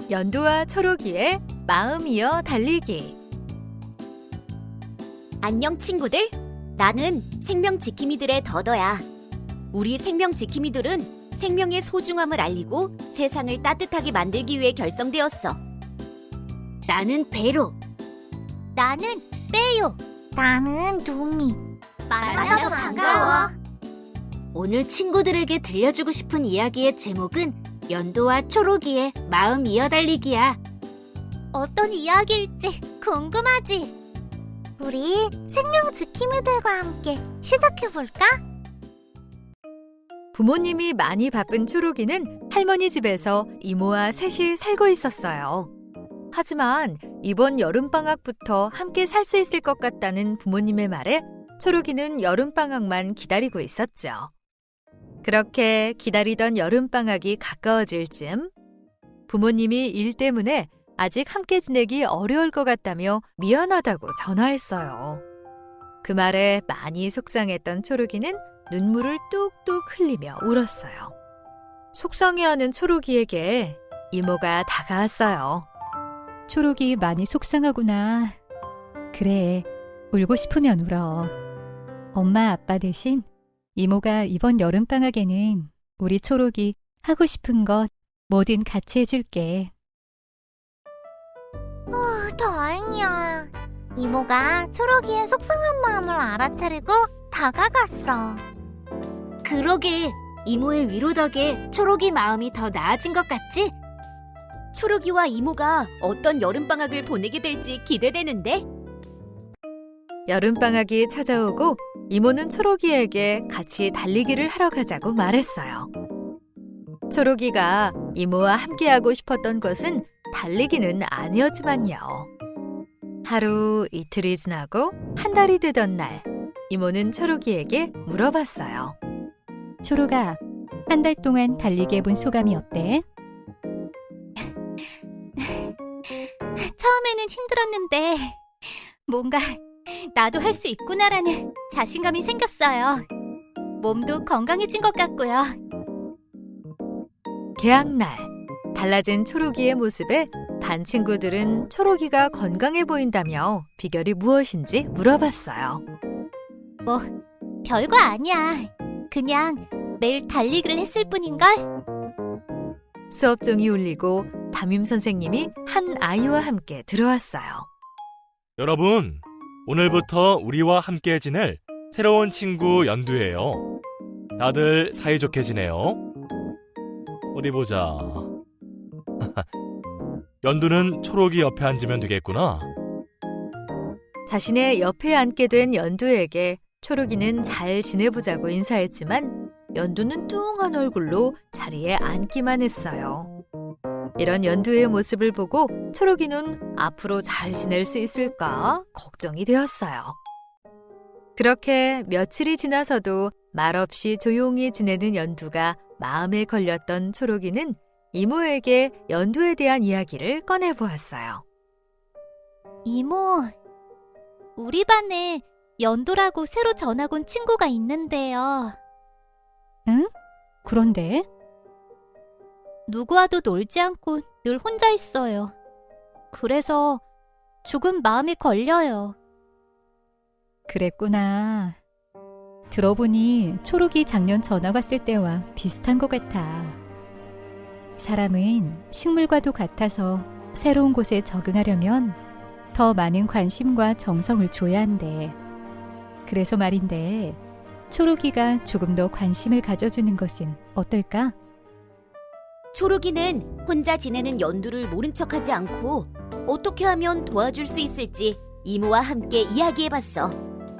연두와 초록이의 마음 이어 달리기. 안녕 친구들. 나는 생명 지킴이들의 더더야. 우리 생명 지킴이들은 생명의 소중함을 알리고 세상을 따뜻하게 만들기 위해 결성되었어. 나는 베로. 나는 빼요. 나는 누미. 만나서 반가워. 오늘 친구들에게 들려주고 싶은 이야기의 제목은 연두와 초록이의 마음 이어달리기야. 어떤 이야기일지 궁금하지? 우리 생명 지킴이들과 함께 시작해볼까? 부모님이 많이 바쁜 초록이는 할머니 집에서 이모와 셋이 살고 있었어요. 하지만 이번 여름방학부터 함께 살 수 있을 것 같다는 부모님의 말에 초록이는 여름방학만 기다리고 있었죠. 그렇게 기다리던 여름방학이 가까워질 즈음 부모님이 일 때문에 아직 함께 지내기 어려울 것 같다며 미안하다고 전화했어요. 그 말에 많이 속상했던 초록이는 눈물을 뚝뚝 흘리며 울었어요. 속상해하는 초록이에게 이모가 다가왔어요. 초록이 많이 속상하구나. 그래, 울고 싶으면 울어. 엄마, 아빠 대신 이모가 이번 여름방학에는 우리 초록이 하고 싶은 것 뭐든 같이 해줄게. 다행이야. 이모가 초록이의 속상한 마음을 알아차리고 다가갔어. 그러게, 이모의 위로 덕에 초록이 마음이 더 나아진 것 같지? 초록이와 이모가 어떤 여름방학을 보내게 될지 기대되는데? 여름방학이 찾아오고 이모는 초록이에게 같이 달리기를 하러 가자고 말했어요. 초록이가 이모와 함께하고 싶었던 것은 달리기는 아니었지만요. 하루 이틀이 지나고 한 달이 되던 날, 이모는 초록이에게 물어봤어요. 초록아, 한 달 동안 달리기 해본 소감이 어때? 처음에는 힘들었는데 뭔가 나도 할 수 있구나라는 자신감이 생겼어요. 몸도 건강해진 것 같고요. 개학날, 달라진 초록이의 모습에 반 친구들은 초록이가 건강해 보인다며 비결이 무엇인지 물어봤어요. 별거 아니야. 그냥 매일 달리기를 했을 뿐인걸? 수업종이 울리고 담임 선생님이 한 아이와 함께 들어왔어요. 여러분, 오늘부터 우리와 함께 지낼 새로운 친구 연두예요. 다들 사이좋게 지내요. 어디 보자. 연두는 초록이 옆에 앉으면 되겠구나. 자신의 옆에 앉게 된 연두에게 초록이는 잘 지내보자고 인사했지만 연두는 뚱한 얼굴로 자리에 앉기만 했어요. 이런 연두의 모습을 보고 초록이는 앞으로 잘 지낼 수 있을까 걱정이 되었어요. 그렇게 며칠이 지나서도 말없이 조용히 지내는 연두가 마음에 걸렸던 초록이는 이모에게 연두에 대한 이야기를 꺼내보았어요. 이모, 우리 반에 연두라고 새로 전학 온 친구가 있는데요. 응? 그런데? 누구와도 놀지 않고 늘 혼자 있어요. 그래서 조금 마음이 걸려요. 그랬구나. 들어보니 초록이 작년 전학 왔을 때와 비슷한 것 같아. 사람은 식물과도 같아서 새로운 곳에 적응하려면 더 많은 관심과 정성을 줘야 한대. 그래서 말인데 초록이가 조금 더 관심을 가져주는 것은 어떨까? 초록이는 혼자 지내는 연두를 모른 척하지 않고 어떻게 하면 도와줄 수 있을지 이모와 함께 이야기해봤어.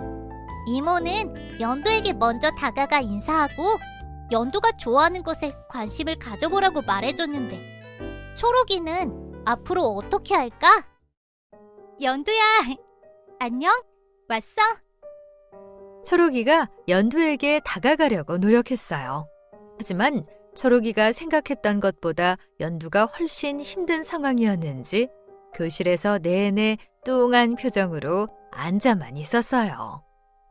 이모는 연두에게 먼저 다가가 인사하고 연두가 좋아하는 것에 관심을 가져보라고 말해줬는데 초록이는 앞으로 어떻게 할까? 연두야, 안녕? 왔어? 초록이가 연두에게 다가가려고 노력했어요. 하지만 초록이가 생각했던 것보다 연두가 훨씬 힘든 상황이었는지 교실에서 내내 뚱한 표정으로 앉아만 있었어요.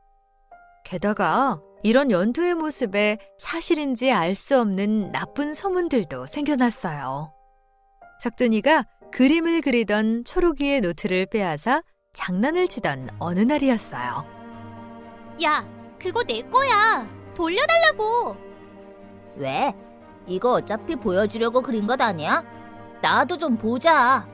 게다가 이런 연두의 모습에 사실인지 알 수 없는 나쁜 소문들도 생겨났어요. 석준이가 그림을 그리던 초록이의 노트를 빼앗아 장난을 치던 어느 날이었어요. 야, 그거 내 거야. 돌려달라고. 왜? 이거 어차피 보여주려고 그린 것 아니야? 나도 좀 보자.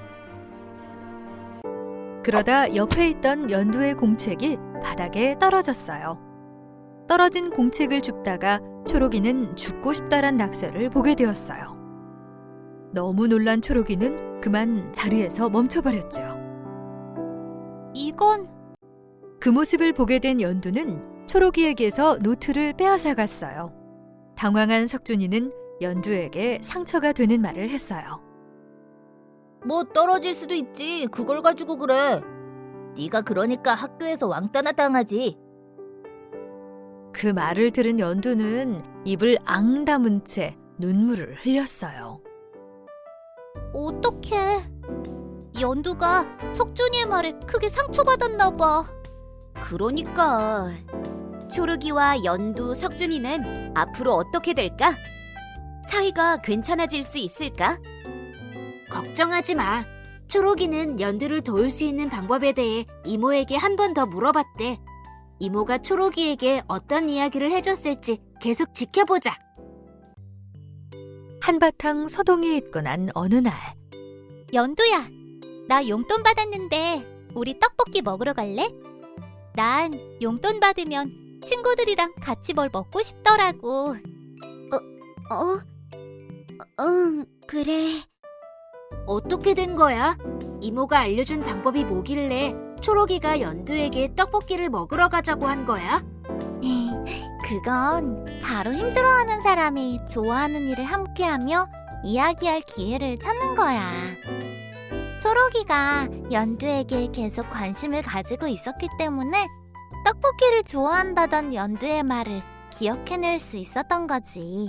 그러다 옆에 있던 연두의 공책이 바닥에 떨어졌어요. 떨어진 공책을 줍다가 초록이는 죽고 싶다란 낙서를 보게 되었어요. 너무 놀란 초록이는 그만 자리에서 멈춰버렸죠. 이건 그 모습을 보게 된 연두는 초록이에게서 노트를 빼앗아 갔어요. 당황한 석준이는 연두에게 상처가 되는 말을 했어요. 뭐 떨어질 수도 있지. 그걸 가지고 그래. 네가 그러니까 학교에서 왕따나 당하지. 그 말을 들은 연두는 입을 앙 다문 채 눈물을 흘렸어요. 어떡해. 연두가 석준이의 말에 크게 상처받았나 봐. 그러니까 초록이와 연두, 석준이는 앞으로 어떻게 될까? 사이가 괜찮아질 수 있을까? 걱정하지 마. 초록이는 연두를 도울 수 있는 방법에 대해 이모에게 한 번 더 물어봤대. 이모가 초록이에게 어떤 이야기를 해줬을지 계속 지켜보자. 한바탕 소동이 있고 난 어느 날 연두야, 나 용돈 받았는데 우리 떡볶이 먹으러 갈래? 난 용돈 받으면 친구들이랑 같이 뭘 먹고 싶더라고. 응, 그래. 어떻게 된 거야? 이모가 알려준 방법이 뭐길래 초록이가 연두에게 떡볶이를 먹으러 가자고 한 거야? 그건 바로 힘들어하는 사람이 좋아하는 일을 함께하며 이야기할 기회를 찾는 거야. 초록이가 연두에게 계속 관심을 가지고 있었기 때문에 떡볶이를 좋아한다던 연두의 말을 기억해낼 수 있었던 거지.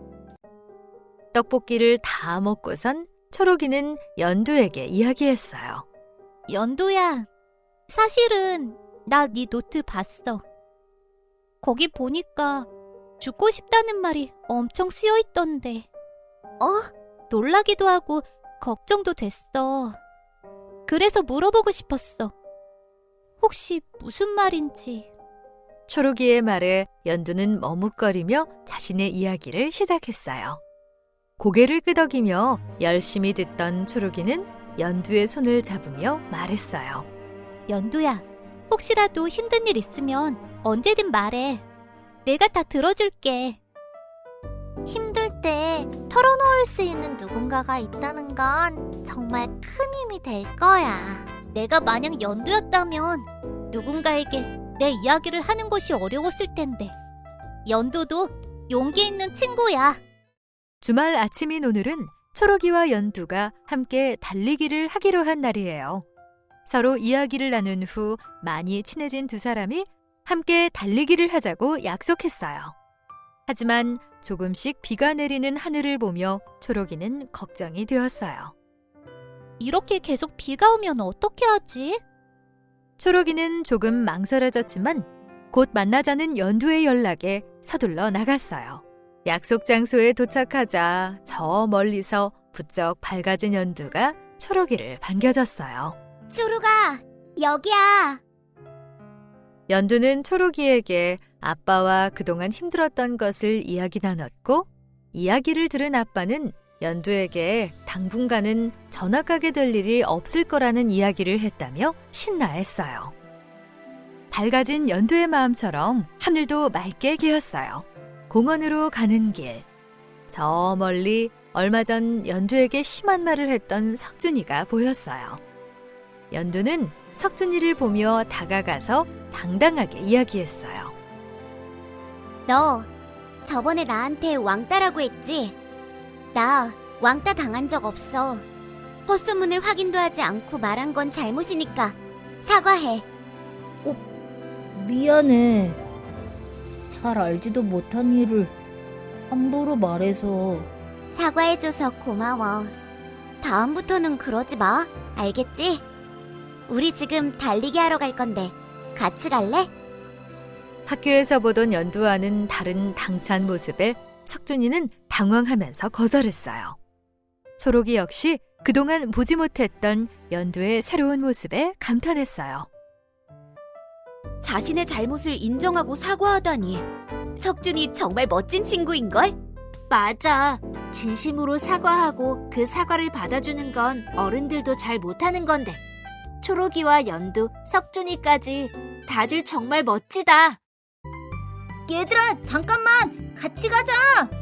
떡볶이를 다 먹고선 초록이는 연두에게 이야기했어요. 연두야, 사실은 나 네 노트 봤어. 거기 보니까 죽고 싶다는 말이 엄청 쓰여 있던데. 놀라기도 하고 걱정도 됐어. 그래서 물어보고 싶었어. 혹시 무슨 말인지. 초록이의 말에 연두는 머뭇거리며 자신의 이야기를 시작했어요. 고개를 끄덕이며 열심히 듣던 초록이는 연두의 손을 잡으며 말했어요. 연두야, 혹시라도 힘든 일 있으면 언제든 말해. 내가 다 들어줄게. 힘들 때 털어놓을 수 있는 누군가가 있다는 건 정말 큰 힘이 될 거야. 내가 만약 연두였다면 누군가에게 내 이야기를 하는 것이 어려웠을 텐데. 연두도 용기 있는 친구야. 주말 아침인 오늘은 초록이와 연두가 함께 달리기를 하기로 한 날이에요. 서로 이야기를 나눈 후 많이 친해진 두 사람이 함께 달리기를 하자고 약속했어요. 하지만 조금씩 비가 내리는 하늘을 보며 초록이는 걱정이 되었어요. 이렇게 계속 비가 오면 어떻게 하지? 초록이는 조금 망설여졌지만 곧 만나자는 연두의 연락에 서둘러 나갔어요. 약속 장소에 도착하자 저 멀리서 부쩍 밝아진 연두가 초록이를 반겨줬어요. 초록아, 여기야. 연두는 초록이에게 아빠와 그동안 힘들었던 것을 이야기 나눴고, 이야기를 들은 아빠는 연두에게 당분간은 전학 가게 될 일이 없을 거라는 이야기를 했다며 신나했어요. 밝아진 연두의 마음처럼 하늘도 맑게 개었어요. 공원으로 가는 길. 저 멀리 얼마 전 연두에게 심한 말을 했던 석준이가 보였어요. 연두는 석준이를 보며 다가가서 당당하게 이야기했어요. 너 저번에 나한테 왕따라고 했지? 나 왕따 당한 적 없어. 헛소문을 확인도 하지 않고 말한 건 잘못이니까 사과해. 미안해. 잘 알지도 못한 일을 함부로 말해서. 사과해줘서 고마워. 다음부터는 그러지 마. 알겠지? 우리 지금 달리기 하러 갈 건데 같이 갈래? 학교에서 보던 연두와는 다른 당찬 모습에 석준이는 당황하면서 거절했어요. 초록이 역시 그동안 보지 못했던 연두의 새로운 모습에 감탄했어요. 자신의 잘못을 인정하고 사과하다니. 석준이 정말 멋진 친구인걸? 맞아. 진심으로 사과하고 그 사과를 받아주는 건 어른들도 잘 못하는 건데. 초록이와 연두, 석준이까지 다들 정말 멋지다. 얘들아, 잠깐만! 같이 가자!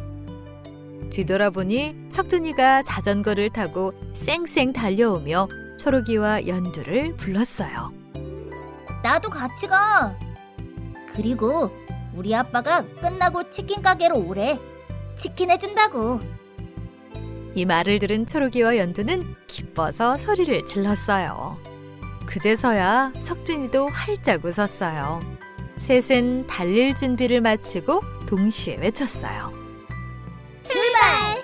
뒤돌아보니 석준이가 자전거를 타고 쌩쌩 달려오며 초록이와 연두를 불렀어요. 나도 같이 가! 그리고 우리 아빠가 끝나고 치킨 가게로 오래. 치킨 해준다고. 이 말을 들은 초록이와 연두는 기뻐서 소리를 질렀어요. 그제서야 석준이도 활짝 웃었어요. 셋은 달릴 준비를 마치고 동시에 외쳤어요. 출발!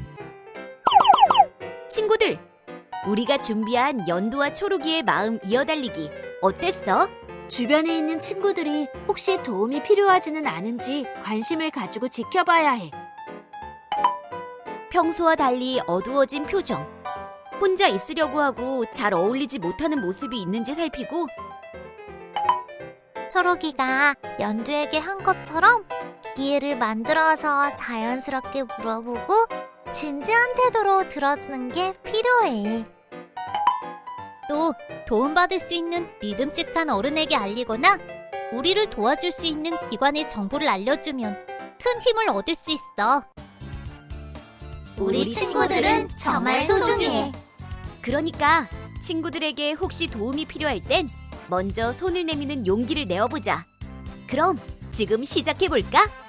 친구들, 우리가 준비한 연두와 초록이의 마음 이어달리기 어땠어? 주변에 있는 친구들이 혹시 도움이 필요하지는 않은지 관심을 가지고 지켜봐야 해. 평소와 달리 어두워진 표정, 혼자 있으려고 하고 잘 어울리지 못하는 모습이 있는지 살피고 초록이가 연두에게 한 것처럼 기회를 만들어서 자연스럽게 물어보고 진지한 태도로 들어주는 게 필요해. 또 도움받을 수 있는 믿음직한 어른에게 알리거나 우리를 도와줄 수 있는 기관의 정보를 알려주면 큰 힘을 얻을 수 있어. 우리 친구들은 정말 소중해. 그러니까 친구들에게 혹시 도움이 필요할 땐 먼저 손을 내미는 용기를 내어보자. 그럼 지금 시작해볼까?